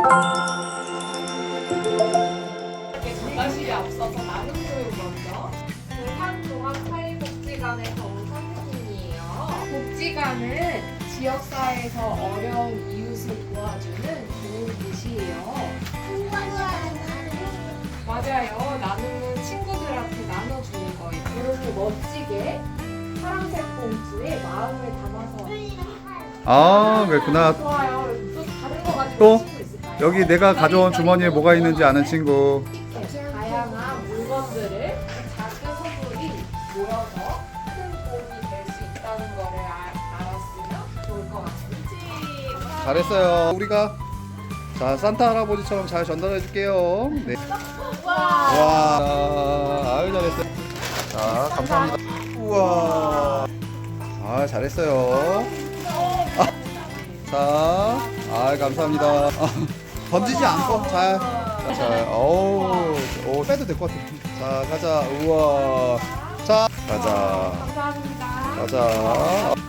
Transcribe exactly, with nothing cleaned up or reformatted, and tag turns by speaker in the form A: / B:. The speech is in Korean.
A: 전달실에 앞서서 나눔 교육 먼저. 부산종합사회복지관에서 온 선생님이에요. 복지관은 지역사회에서 어려운 이웃을 도와주는 좋은 곳이에요. 맞아요. 나눔은 친구들한테 나눠주는 거예요. 이렇게 멋지게 파란색 봉투에 마음을 담아서.
B: 아, 그랬구나.
A: 좋아요. 또 다른 거 가지고
B: 또?
A: 친구 있을까요?
B: 여기 내가 가져온 주머니에 뭐가 있는지 아는 친구.
A: 다양한 물건들을 작은 선물이 모여서 큰 도움이 될 수 있다는 거를 알, 알았으면 좋을 것 같습니다.
B: 잘했어요. 우리가 자 산타 할아버지처럼 잘 전달해 줄게요. 네. 와, 아유 잘했어요. 자 감사합니다. 우와, 아 잘했어요. 아, 자, 아 감사합니다. 아, 던지지 않고 잘. 자, 어우, 오 빼도 될 것 같아. 자 가자. 우와, 자 가자.
A: 감사합니다.
B: 가자.